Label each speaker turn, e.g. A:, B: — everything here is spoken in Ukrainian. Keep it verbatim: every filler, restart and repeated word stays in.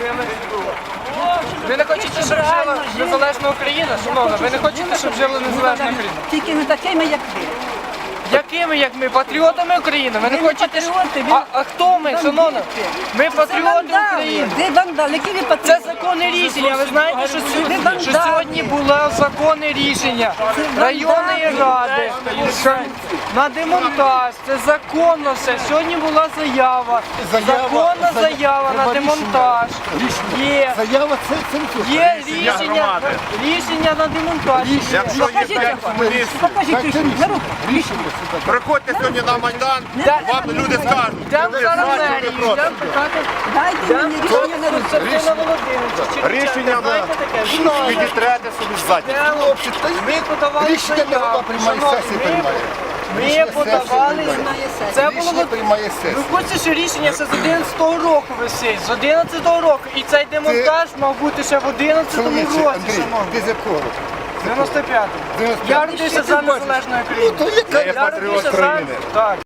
A: жили. Ви не хочете, щоб жила незалежна Україна? Шановна, ви не хочете, щоб жила незалежна Україна?
B: Тільки не такими, як ви.
A: Якими, як ми? Патріотами України? Ви не
B: Ви не
A: хочете, щоб...
B: патріоти, ви
A: А, а хто ми, шановна? Ми патріоти України.
B: Ви вандали, які ви
A: Це
B: патріоти?
A: законне рішення. Ви знаєте, що сьогодні,
B: Ви
A: що
B: вандали.
A: сьогодні було законне рішення
B: Це
A: районної
B: вандали.
A: ради що на демонтаж. Це законно все. Сьогодні була заява.
C: Заява,
A: Законна
C: зая-
A: заява на
C: треба
A: демонтаж. Є.
C: Заява це цензура.
A: Є рішення, рішення на демонтаж.
D: Якщо є
B: Покажіть,
D: п'ять комуністів,
B: покажіть рішення, на руку.
D: приходьте сьогодні на Майдан, вам люди скажуть.
A: Йдемо
D: ви
A: зараз
D: за чи
A: мерію,
D: ви проти.
A: йдемо питати.
B: Дайте мені рішення на руку.
A: Константина Володимировича.
D: Рішення на
A: Знаєте таке?
D: підітрете собі ззаді.
C: Хлопці, та й
A: Ми подавали
C: рішення не голова
A: заяву.
C: приймає,
A: Шановні,
C: сесія
A: ми-
C: приймає.
A: Ми
C: Рішення
A: подавали.
C: сесії приймає.
A: Це було
C: Рішення приймає сесія.
A: ви хочете, що рішення ще з одинадцятого року висить, з одинадцятого року. І цей демонтаж мав бути ще в одинадцятому
C: Чоловіче,
A: році,
C: Андрій,
A: шановні.
C: ти з якого року?
A: дев'яносто п'ятому.
C: дев'яносто
A: Я
C: п'ятий.
A: родився
C: Що
A: за
C: ти бачиш?
A: незалежну Україну.
C: Ну, то яка
D: Я
A: Я
D: патріот
A: родився за...
D: країни.
A: Так.